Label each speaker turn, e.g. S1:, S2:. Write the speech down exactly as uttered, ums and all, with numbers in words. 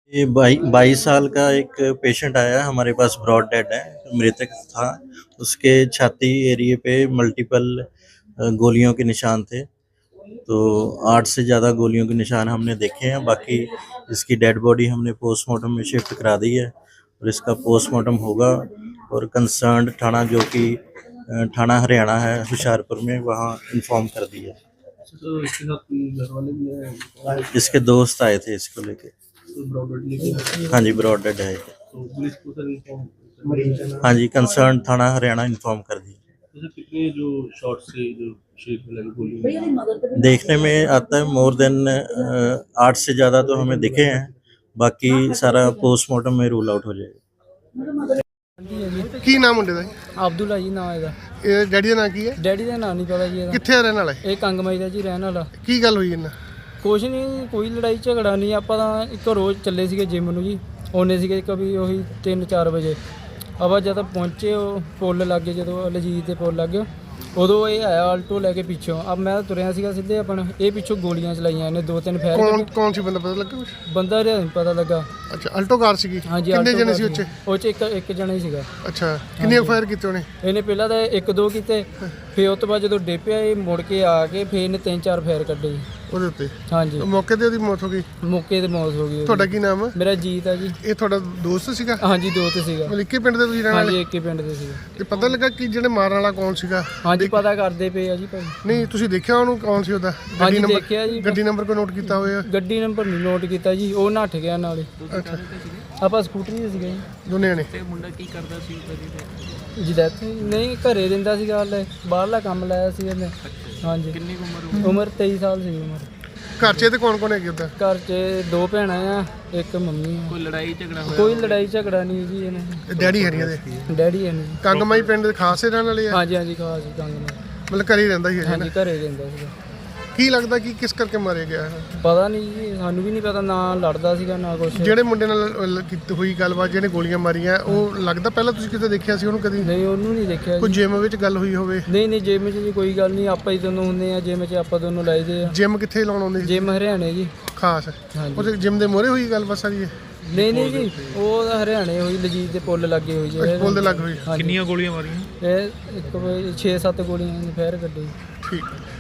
S1: ये बाई बाईस साल का एक पेशेंट आया हमारे पास, ब्रॉड डेड है, मृतक था। उसके छाती एरिए पे मल्टीपल अ, गोलियों के निशान थे। तो आठ से ज़्यादा गोलियों के निशान हमने देखे हैं। बाकी इसकी डेड बॉडी हमने पोस्टमार्टम में शिफ्ट करा दी है और इसका पोस्टमार्टम होगा। और कंसर्न्ड थाना जो कि अ, थाना हरियाणा है हुशियारपुर में, वहाँ इन्फॉर्म कर दिया।
S2: तो इसके साथ कोई घर वाले भी हैं?
S1: इसके दोस्त आए थे इसको लेके।
S2: तो ब्रॉडर लेके
S1: हाँ जी, ब्रॉड डेड है।
S2: तो पुलिस को सर इन्फॉर्म?
S1: हाँ जी, कंसर्न थाना हरियाणा इन्फॉर्म कर दिया।
S2: जैसे कितने जो शॉट से जो शरीर में लगी गोली?
S1: देखने में आता है मोर देन आठ से ज़्यादा तो हमें दिखे हैं। बाकी सारा पोस्टमार्टम में रूल आउट हो जाएगा।
S3: ਕੀ ਨਾਮ ਮੁੰਡੇ ਦਾ?
S4: ਅਬਦੁੱਲਾ ਜੀ ਨਾਮ ਇਹਦਾ।
S3: ਇਹ ਡੈਡੀ ਦਾ ਨਾਂ ਕੀ ਹੈ?
S4: ਡੈਡੀ ਦਾ ਨਾਂ ਨਹੀਂ ਪਤਾ ਜੀ ਇਹਦਾ।
S3: ਕਿੱਥੇ ਰਹਿਣ ਵਾਲਾ ਹੈ?
S4: ਇਹ ਕੰਗਮਾਈ ਦਾ ਜੀ ਰਹਿਣ ਵਾਲਾ।
S3: ਕੀ ਗੱਲ ਹੋਈ ਇਹਨਾਂ?
S4: ਕੁਛ ਨਹੀਂ, ਕੋਈ ਲੜਾਈ ਝਗੜਾ ਨਹੀਂ। ਆਪਾਂ ਤਾਂ ਇੱਕ ਰੋਜ਼ ਚੱਲੇ ਸੀਗੇ ਜਿਮ ਨੂੰ ਜੀ, ਆਉਂਦੇ ਸੀਗੇ ਕभी ਉਹੀ ਤਿੰਨ ਚਾਰ ਵਜੇ। ਆਪਾਂ ਜਦੋਂ ਪਹੁੰਚੇ ਉਹ ਪੁੱਲ ਲੱਗੇ, ਜਦੋਂ ਲਜੀਤ ਦੇ ਪੁੱਲ ਲੱਗੇ ਉਦੋਂ ਇਹ ਆਇਆ ਆਲਟੋ ਲੈ ਕੇ ਪਿੱਛੋਂ। ਅਬ ਮੈਂ ਤੁਰਿਆ ਸੀਗਾ ਸਿੱਧੇ ਆਪਣਾ, ਇਹ ਪਿੱਛੋਂ ਗੋਲੀਆਂ ਚਲਾਈਆਂ ਇਹਨੇ ਦੋ ਤਿੰਨ ਫੈਰ।
S3: ਕੌਣ ਕੌਣ ਸੀ ਬੰਦਾ, ਪਤਾ ਲੱਗਾ ਕੁਛ?
S4: ਬੰਦਾ ਰਿਹਾ ਨਹੀਂ ਪਤਾ ਲੱਗਾ।
S3: ਅੱਛਾ, ਅਲਟੋ ਕਾਰ ਸੀਗੀ?
S4: ਹਾਂਜੀ,
S3: ਕਿੰਨੇ
S4: ਆਲਟੋ
S3: ਜਣੇ ਸੀ
S4: ਕਾਰ
S3: ਉੱਚੇ?
S4: ਉਹ 'ਚ ਇੱਕ ਇੱਕ ਜਣਾ ਹੀ ਸੀਗਾ।
S3: ਅੱਛਾ, ਕਿੰਨੇ ਫਾਇਰ ਕੀਤੇ ਉਹਨੇ?
S4: ਇਹਨੇ ਪਹਿਲਾਂ ਤਾਂ ਇੱਕ ਦੋ ਕੀਤੇ, ਫਿਰ ਉਸ ਤੋਂ ਬਾਅਦ ਜਦੋਂ ਡੇਪਿਆ ਇਹ ਮੁੜ ਕੇ ਆ ਕੇ ਫਿਰ ਇਹਨੇ ਤਿੰਨ ਚਾਰ ਫਾਇਰ ਕੱਢੇ ਜੀ।
S3: ਉਹਦੇ ਉੱਤੇ
S4: ਹਾਂਜੀ,
S3: ਮੌਕੇ ਤੇ ਉਹਦੀ ਮੌਤ ਹੋ ਗਈ?
S4: ਮੌਕੇ ਤੇ ਮੌਤ ਹੋ ਗਈ ਉਹਦੀ।
S3: ਤੁਹਾਡਾ ਕੀ ਨਾਮ ਹੈ?
S4: ਮੇਰਾ ਜੀਤ ਆ ਜੀ।
S3: ਇਹ ਤੁਹਾਡਾ ਦੋਸਤ ਸੀਗਾ?
S4: ਹਾਂਜੀ, ਦੋ ਤੇ ਸੀਗਾ।
S3: ਮਤਲਬ ਇੱਕੇ ਪਿੰਡ ਦੇ ਤੁਸੀਂ ਰਹਿਣ ਵਾਲੇ?
S4: ਹਾਂਜੀ, ਇੱਕ ਹੀ ਪਿੰਡ ਦੇ ਸੀਗਾ।
S3: ਤੇ ਪਤਾ ਲੱਗਾ ਕਿ ਜਿਹੜੇ ਮਾਰਨ ਵਾਲਾ ਕੌਣ ਸੀਗਾ?
S4: ਹਾਂਜੀ, ਪਤਾ ਕਰਦੇ ਪਏ ਆ ਜੀ ਭਾਈ।
S3: ਨਹੀਂ, ਤੁਸੀਂ ਦੇਖਿਆ ਉਹਨੂੰ ਕੌਣ ਸੀ ਉਹਦਾ?
S4: ਹਾਂਜੀ, ਦੇਖਿਆ ਜੀ।
S3: ਗੱਡੀ ਨੰਬਰ ਕੋਈ ਨੋਟ ਕੀਤਾ ਹੋਇਆ?
S4: ਗੱਡੀ ਨੰਬਰ ਨਹੀਂ ਨੋਟ ਕੀਤਾ ਜੀ, ਉਹ ਨੱਠ ਗਿਆ ਨਾਲੇ।
S3: ਅੱਛਾ,
S4: ਆਪਾਂ ਸਕੂਟਰੀ ਤੇ ਸੀਗੇ ਜੀ।
S3: ਦੋਨੇ ਨੇ?
S2: ਤੇ ਮੁੰਡਾ ਕੀ ਕਰਦਾ ਸੀ
S4: ਜੀ ਡੈਥ ਨਹੀਂ, ਘਰੇ ਰਹਿੰਦਾ ਸੀਗਾ ਹਲੇ, ਬਾਹਰਲਾ ਕੰਮ ਲਾਇਆ ਸੀ ਇਹਨੇ। ਹਾਂਜੀ।
S2: ਕਿੰਨੀ ਕੁ ਉਮਰ?
S4: ਉਮਰ ਤੇਈ ਸਾਲ ਸੀ ਉਮਰ।
S3: ਘਰ 'ਚ ਤੇ ਕੌਣ ਕੌਣ ਹੈਗੇ ਉਹਦਾ?
S4: ਘਰ 'ਚ ਦੋ ਭੈਣਾਂ ਆ, ਇੱਕ ਮੰਮੀ ਆ।
S2: ਕੋਈ ਲੜਾਈ ਝਗੜਾ ਹੋਇਆ?
S4: ਕੋਈ ਲੜਾਈ ਝਗੜਾ ਨਹੀਂ ਜੀ ਇਹਨੇ।
S3: ਡੈਡੀ ਹੈ ਨਹੀਂ ਇਹਦੇ?
S4: ਡੈਡੀ ਹੈ ਨਹੀਂ।
S3: ਕੰਗਮਾਈ ਪਿੰਡ ਦੇ ਖਾਸ ਹੀ ਰਹਿਣ ਵਾਲੇ ਆ?
S4: ਹਾਂਜੀ ਹਾਂਜੀ, ਖਾਸ ਕੰਗ ਨਾਲ।
S3: ਮਤਲਬ ਘਰੇ ਹੀ ਰਹਿੰਦਾ ਸੀ?
S4: ਹਾਂਜੀ, ਘਰੇ ਰਹਿੰਦਾ ਸੀਗਾ।
S3: ਕੀ ਲੱਗਦਾ ਕਿ ਕਿਸ ਕਰਕੇ ਮਾਰਿਆ ਗਿਆ ਹੈ?
S4: ਪਤਾ ਨਹੀਂ ਜੀ, ਸਾਨੂੰ ਵੀ ਨਹੀਂ ਪਤਾ, ਨਾ ਲੜਦਾ ਸੀਗਾ ਨਾ ਕੁਛ।
S3: ਜਿਹੜੇ ਮੁੰਡੇ ਨਾਲ ਲ- ਕੀਤੀ ਹੋਈ ਗੱਲਬਾਤ, ਜਿਹਨੇ ਗੋਲੀਆਂ ਮਾਰੀਆਂ, ਉਹ ਲੱਗਦਾ ਪਹਿਲਾਂ ਤੁਸੀਂ ਕਿਤੇ ਦੇਖਿਆ ਸੀ ਉਹਨੂੰ ਕਦੀ?
S4: ਨਹੀਂ, ਉਹਨੂੰ ਨਹੀਂ ਦੇਖਿਆ
S3: ਕੋਈ
S4: ਜੀ।
S3: ਜਿਮ ਵਿੱਚ ਗੱਲ ਹੋਈ ਹੋਵੇ?
S4: ਨਹੀਂ ਨਹੀਂ, ਜਿਮ 'ਚ ਜੀ ਕੋਈ ਗੱਲ ਨਹੀਂ, ਆਪਾਂ ਹੀ ਦੋਨੋਂ ਹੁੰਦੇ ਆ ਜਿਮ 'ਚ, ਆਪਾਂ ਦੋਨੋਂ ਲਾਈਦੇ ਆ।
S3: ਜਿਮ ਕਿੱਥੇ ਲਾਉਣ ਆਉਂਦੇ ਸੀ?
S4: ਜਿਮ ਹਰਿਆਣੇ ਜੀ।
S3: ਖਾਸ
S4: ਹਾਂਜੀ।
S3: ਉਹਦੇ ਜਿਮ ਦੇ ਮੋਹਰੇ ਹੋਈ ਗੱਲਬਾਤ ਸਾਰੀ ਇਹ?
S4: ਨਹੀਂ ਨਹੀਂ ਜੀ, ਉਹ ਤਾਂ ਹਰਿਆਣੇ ਹੋਈ, ਲਜੀਤ ਦੇ ਪੁੱਲ ਲੱਗੇ ਹੋਈ ਜੀ।
S3: ਪੁੱਲ ਦੇ ਲੱਗ ਹੋਈ?
S4: ਹਾਂਜੀ।
S2: ਕਿੰਨੀਆਂ ਗੋਲੀਆਂ ਮਾਰੀਆਂ?
S4: ਇਹ ਇੱਕ ਛੇ ਸੱਤ ਗੋਲੀਆਂ ਫੇਰ ਕੱਢੀ।
S3: ਠੀਕ।